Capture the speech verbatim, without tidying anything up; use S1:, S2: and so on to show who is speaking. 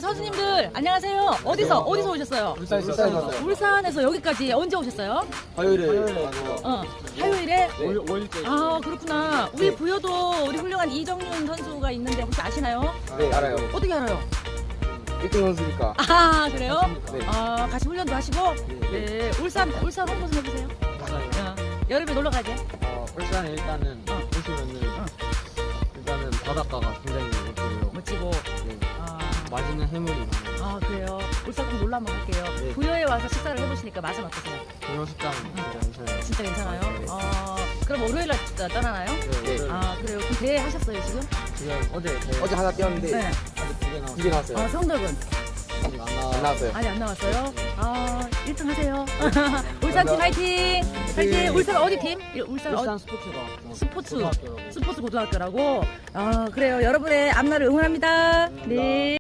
S1: 선수님들 안녕하세요. 어디서 어디서 오셨어요?
S2: 울산에서 울산에서
S1: 울산에서 여기까지 언제 오셨어요?
S2: 화요일에
S1: 어, 화요일에.
S2: 오일째.
S1: 아 그렇구나. 우리 부여도 우리 훌륭한 이정윤 선수가 있는데 혹시 아시나요?
S2: 네 알아요.
S1: 어떻게 알아요?
S2: 일 등 선수니까.
S1: 아 그래요?
S2: 네.
S1: 아 같이 훈련도 하시고. 네. 울산 울산 홍보 좀 해주세요. 어, 여름에 놀러 가게.
S3: 어, 울산에 일단은
S1: 어.
S3: 오시면은
S1: 어.
S3: 일단은 바닷가가 굉장히 멋지고요.
S1: 멋지고.
S3: 네.
S1: 아,
S3: 맛있는 해물이 많아요.
S1: 아 그래요. 울산 꼭 놀러 한번 갈게요.
S3: 네.
S1: 부여에 와서 식사를 해보시니까 맛은 어떠세요?
S3: 동영 식당 진짜 괜찮아요.
S1: 진짜 괜찮아요?
S3: 네.
S1: 어, 그럼 월요일 날 진짜 떠나나요?
S3: 네, 네.
S1: 아 그래요. 그럼 대회 하셨어요 지금?
S3: 지금 어제 대회
S2: 어제 하나 뛰었는데
S1: 네.
S3: 아직 두개 나왔어요.
S2: 두개 나왔어요.
S1: 아 성적은?
S3: 아직 안 나와.
S2: 안 나왔어요.
S1: 아직 안 나왔어요? 아 일 등 하세요. 울산 팀 화이팅! 화이팅! 울산 어디 팀? 울산
S3: 울산
S1: 어,
S3: 스포츠가
S1: 스포츠
S3: 고등학교라고.
S1: 스포츠 고등학교라고. 아 그래요. 여러분의 앞날을 응원합니다. 네.